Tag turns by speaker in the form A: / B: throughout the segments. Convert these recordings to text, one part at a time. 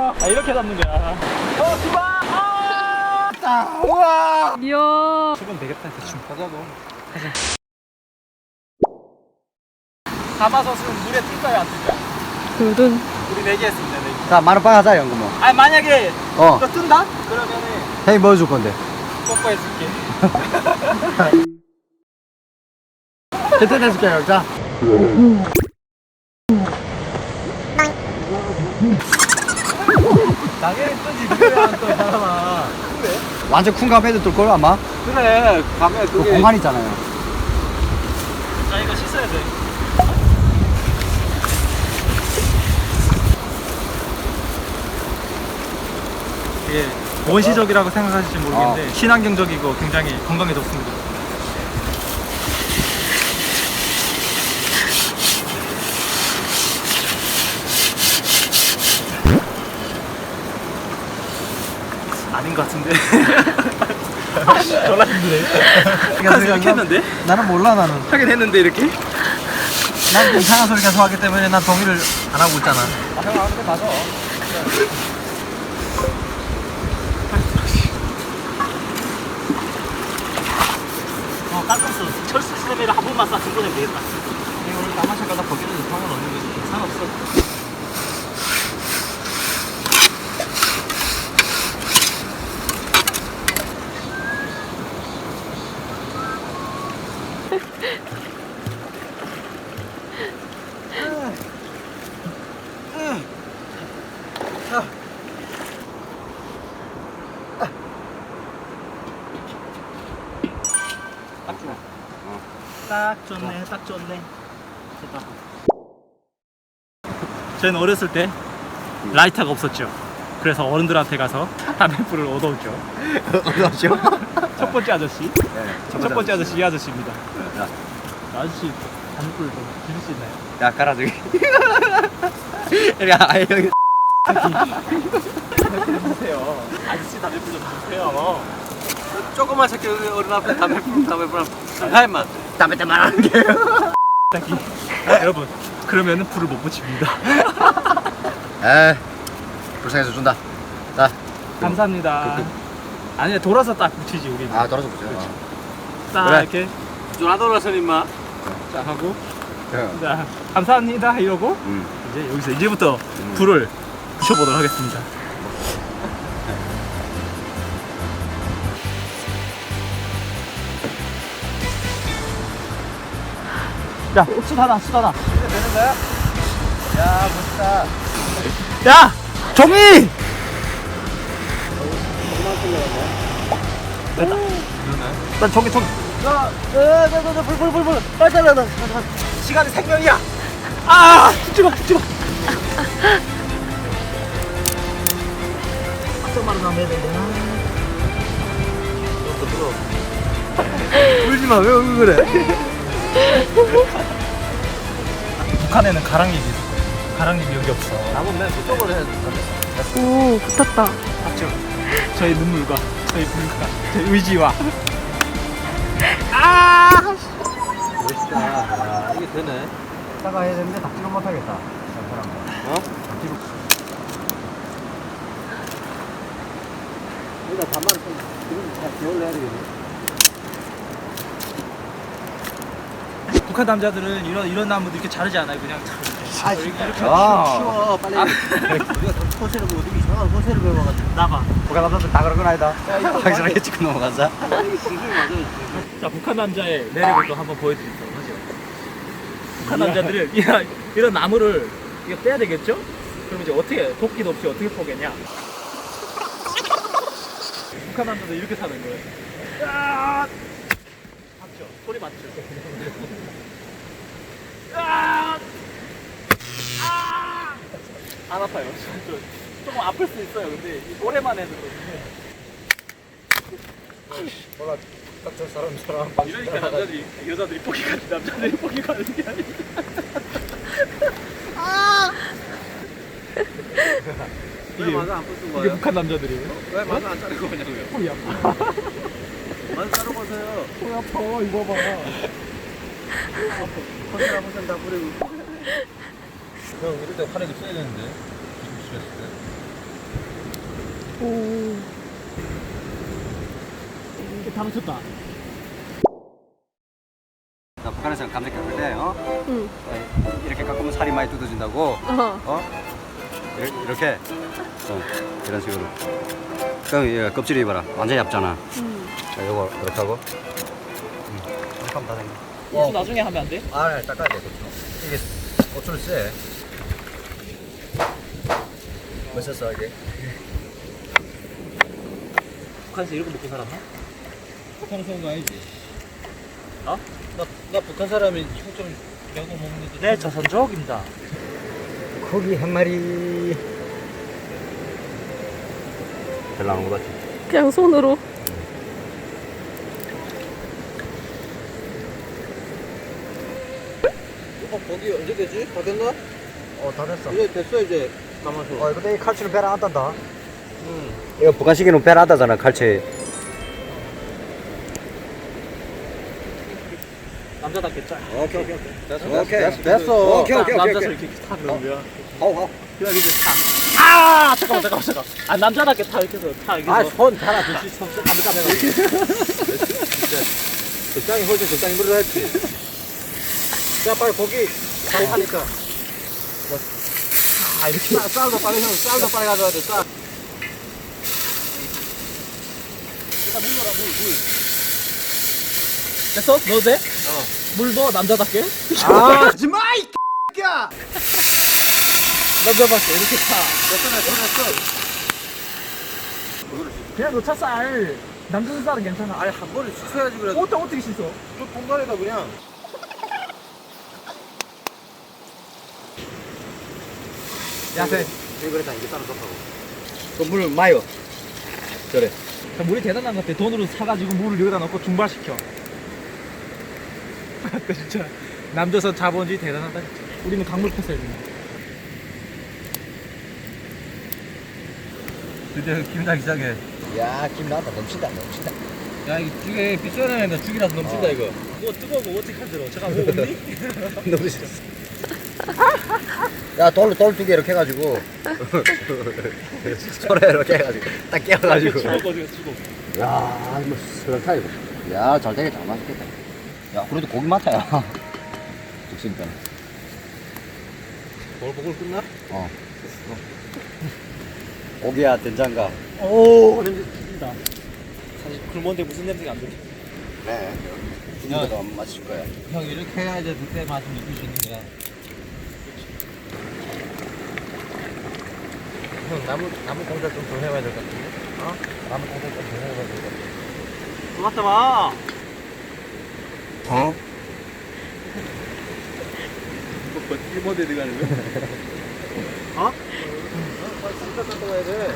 A: 아, 이렇게 잡는 거야. 수박! 아!
B: 우와.
C: 이야.
A: 수박 되겠다, 대충.
B: 가자고.
A: 가마솥은 물에 뜰까요, 안 뜰까요?
C: 둘둔.
A: 우리 내기했습니다, 내기.
B: 자, 만원빵 하자, 연금어.
A: 아니, 만약에
B: 어.
A: 너 뜬다? 그러면은
B: 형이 뭐 줄 건데?
A: 뽀뽀해줄게.
B: 괜찮해줄게 자.
A: 당연히 뜨지, 그래, 안 떠, 사람아. 그래?
B: 완전 큰 가면도 뜰걸, 아마?
A: 그래, 가면
B: 그 공간 있잖아요.
A: 자, 이거 씻어야 돼. 이게 원시적이라고 생각하실지 모르겠는데 친환경적이고 굉장히 건강에 좋습니다. 아닌 것 같은데. 졸라 힘드네. 이렇게 했는데?
B: 나는 몰라, 나는.
A: 하긴 했는데 이렇게?
B: 난 이상한 소리 계속 하기 때문에 난 동의를 안 하고 있잖아.
A: 아, 형 아무데 맞아. 깔끔스 철수 시스템을 한 번만 싹 증거내면 되겠다.
B: 오늘 까마샤 가다 거기는 상관없는 거지.
A: 상관없어. 딱 좋아. 딱 좋네, 딱 좋네. 됐다. 저희는 어렸을 때 라이터가 없었죠. 그래서 어른들한테 가서 담배불을 얻어오죠.
B: 어떠시오?
A: 첫 번째 아저씨.
B: 네,
A: 첫 번째 아저씨 이 아저씨입니다.
B: 야.
A: 아저씨 담배불 좀 주실 수 있나요?
B: 야, 가라, 저기. 야, 아예 여기.
A: 주세요. 아저씨 담배불 좀 주세요.
B: 조그만 새끼 어른 앞에 담배불 하 임마. 담배 때 말하는 게.
A: 딱히 여러분 그러면은 불을 못 붙입니다.
B: 에이, 불쌍해서 준다. 자.
A: 감사합니다. 아니 돌아서 딱 붙이지 우리.
B: 아, 돌아서 보자.
A: 딱
B: 그래.
A: 이렇게
B: 전화 돌아서 임마.
A: 딱 하고
B: 응.
A: 자 감사합니다 이러고 이제 여기서 이제부터 불을 붙여보도록 하겠습니다. 야, 숯하나, 숯하나.
B: 이제 되는 거야? 야, 멋있다.
A: 야! 종이! 됐다. 난 종이.
B: 야, 불. 빨리 달려.
A: 시간이 생명이야! 아! 죽지 마! 좀 나면 되나?
B: 울지 마. 왜 그래?
A: 북한에는 가랑잎이 있어. 가랑잎이 여기 없어.
B: 나보면 맨 그쪽으로 해야 돼.
C: 오, 붙었다.
A: 맞죠? 저의 눈물과 저의 불과 저의 의지와 아!
B: 멋있다. 야, 이게 되네. 이따가 해야 되는데 닥치로 못 하겠다. 어? 닥치로. 여기다 반만 지금 다 기울여 해야 되겠네.
A: 북한 남자들은 이런 나무도 이렇게 자르지 않아요. 그냥
B: 아,
A: 이렇게
B: 쉬워. 빨리. 우리가 소세를 뭐 어디 이상한 소세를 배워가지고.
A: 나봐.
B: 북한 남자들 다 그런 건 아니다. 확실하게 찍고 넘어가자.
A: 자, 북한 남자의 매력을 또 한번 보여드리도록 하죠. 북한 남자들은 이런 나무를 이거 떼야 되겠죠? 그럼 이제 어떻게 도끼도 없이 어떻게 포겠냐? 북한 남자들 이렇게 사는 거예요. 야! 맞죠? 소리 맞죠? 야! 아! 안 아파요. 조금 아플 수 있어요. 근데 오랜만에 해서
B: 몰라. 딱 저 사람
A: 이러니까 여자들이 포기 가는 남자들이 포기 가는 게 아니야.
B: 왜 맞아 안 붙은
A: 이게
B: 거예요?
A: 북한 남자들이에요.
B: 왜 맞아 안 자르고 그냐고요?
A: 손이 아파.
B: 맞아 자르고 오세요.
A: 손이 아파. 이거 봐.
B: 컨셉 한 번씩 다 부리고. 형 이럴 때 화내기 써야 되는데.
C: 오.
A: 이게 다 맞췄다.
B: 나 북한에서는 감자 깎을 때
C: 응.
B: 이렇게 깎으면 살이 많이 뜯어진다고. 이렇게 이런 식으로. 그럼 얘 껍질이 봐라 완전히 얇잖아. 자, 요거 이렇게 하고. 이렇게 하면 다 됐네.
A: 고추 나중에 하면 안 돼?
B: 네, 닦아야 돼 고추. 이게 고추를 쎄. 멋있어 이게.
A: 북한에서 이런 거 먹고 살았나?
B: 북한에서 온 거 아니지?
A: 어?
B: 나 북한 사람이 형좀 야구 먹는데.
A: 네, 조선족입니다.
B: 고기 한 마리. 잘 나온 거 같지?
C: 그냥 손으로.
B: 고기 언제 되지? 다 됐나? 다 됐어. 이제 됐어 이제. 가만있어. 근데 이 칼치는 배를 안 딴다. 이거 북한식에는 배를 안 따잖아 칼치.
A: 남자답게 짜.
B: 오케이. 됐어.
A: 남자서 이렇게 타 그러는 거야.
B: 하오.
A: 그냥 이제 타. 아, 잠깐만. 아, 남자답게 타 이렇게 해서 타 이렇게 해서.
B: 손 달아 둘씩 손 까매까매가. 적당히 홀 때 적당히 물을 했지. 자 빨리 고기 잘 하니까.
A: 이렇게.
B: 쌀도 빨리 형 쌀도 빨리 가져와야 돼 쌀. 일단 물 넣어라 물.
A: 됐어? 넣어도 돼? 물 넣어, 남자답게.
B: 하지마 이 X야.
A: 남자답게 이렇게 타.
B: 됐어.
A: 그냥 놓쳐 쌀. 남자 쌀은 괜찮아.
B: 아니 한 번에 씻어야지 그래.
A: 어떻게 씻어?
B: 저 통갈에다 그냥.
A: 야세.
B: 이거 그랬다 이게 따로 좋다고. 그물 마요. 그래.
A: 물이 대단한 것 같아. 돈으로 사가지고 물을 여기다 넣고 중발시켜. 그 진짜 남조선 자본주의 대단하다. 진짜. 우리는 강물 폈어요.
B: 드디어 김장 시작해. 야, 김 나왔다. 넘친다. 야, 이거 죽에 빗소리나 된다. 죽이라서 넘친다, 이거.
A: 뭐 뜨거워 어떻게 하더라. 제가 뭐 없니?
B: 너무 싫어. 야, 돌 두 개 이렇게 해가지고. 소래 이렇게 해가지고. 딱 깨워가지고.
A: 죽어.
B: 야, 뭐, 스럽다, 이거. 야, 잘 되겠다. 맛있겠다. 야, 그래도 고기 많다야. 죽습니다. 보글보글 끝나? 고기야, 된장가.
A: 오, 냄새 죽인다. 사실 굶었는데 무슨 냄새가 안 들어?
B: 그래. 죽인데도 안 맛있을 거야.
D: 형 이렇게 해야 이제 그때 맛을 느낄 수 있는 거야. 형 나무 공작 좀 더 해봐야 될 것 같은데? 나무 공작 좀 더 해봐야 될 것 같은데?
A: 들어갔다 와.
B: 어?
D: 일본 데 들어가는 거야?
A: 어?
B: 진짜 닦고 가야 돼.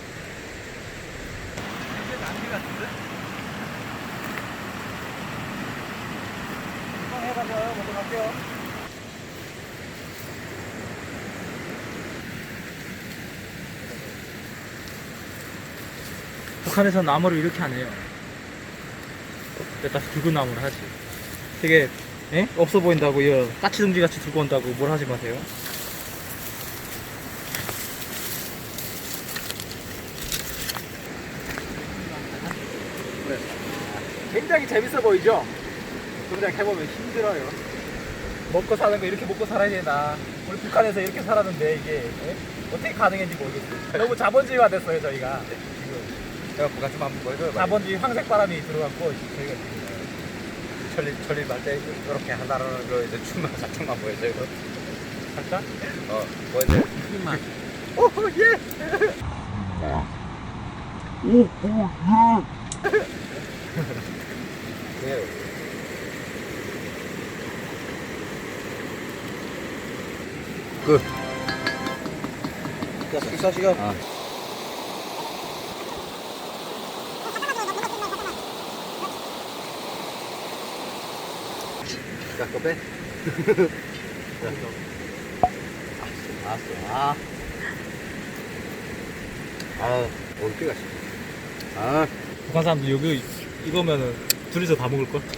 A: 해가지고 먼저 갈게요. 북한에서 나무를 이렇게 안 해요. 일단 굵은 나무를 하지. 되게 없어 보인다고 이 까치둥지 같이 들고 온다고 뭘 하지 마세요. 굉장히 재밌어 보이죠? 그냥 해보면 힘들어요. 먹고 사는 거 이렇게 먹고 살아야 되나. 우리 북한에서 이렇게 살았는데 이게 어떻게 가능했는지 모르겠어요. 너무 자본주의화 됐어요 저희가. 지금
B: 내가 부가 좀 한번 보여줘요.
A: 자본주의 황색바람이 들어갔고 저희가 지금
B: 천리 말때 이렇게 한다는 거 이제 춤만 살짝만 보여줘요.
A: 살짝
B: 보여줘요.
D: 힘만.
A: 오 예.
B: 예. 끝. 자, 식사 시간. 자, 거 빼. 알았어. 어깨가 씹어.
A: 북한 사람들 여기 이거면은 둘이서 다 먹을 걸.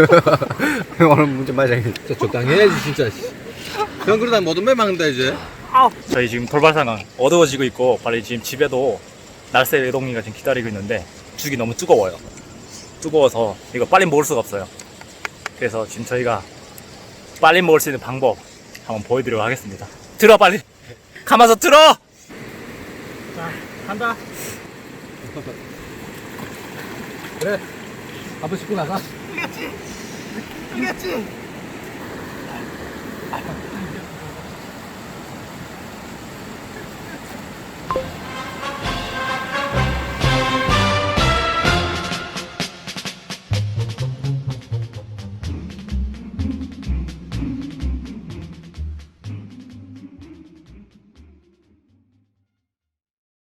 B: 오늘 문제 맞아.
D: 적당히 해야지 진짜. 형 그러다 모든 배 막는다 이제.
A: 저희 지금 돌발 상황 어두워지고 있고 빨리 지금 집에도 날쌔 외동이가 지금 기다리고 있는데 죽이 너무 뜨거워요. 뜨거워서 이거 빨리 먹을 수가 없어요. 그래서 지금 저희가 빨리 먹을 수 있는 방법 한번 보여드리도록 하겠습니다. 들어 빨리 가마솥 들어. 자 간다. 그래 한번 씻고 나가. 이겼지.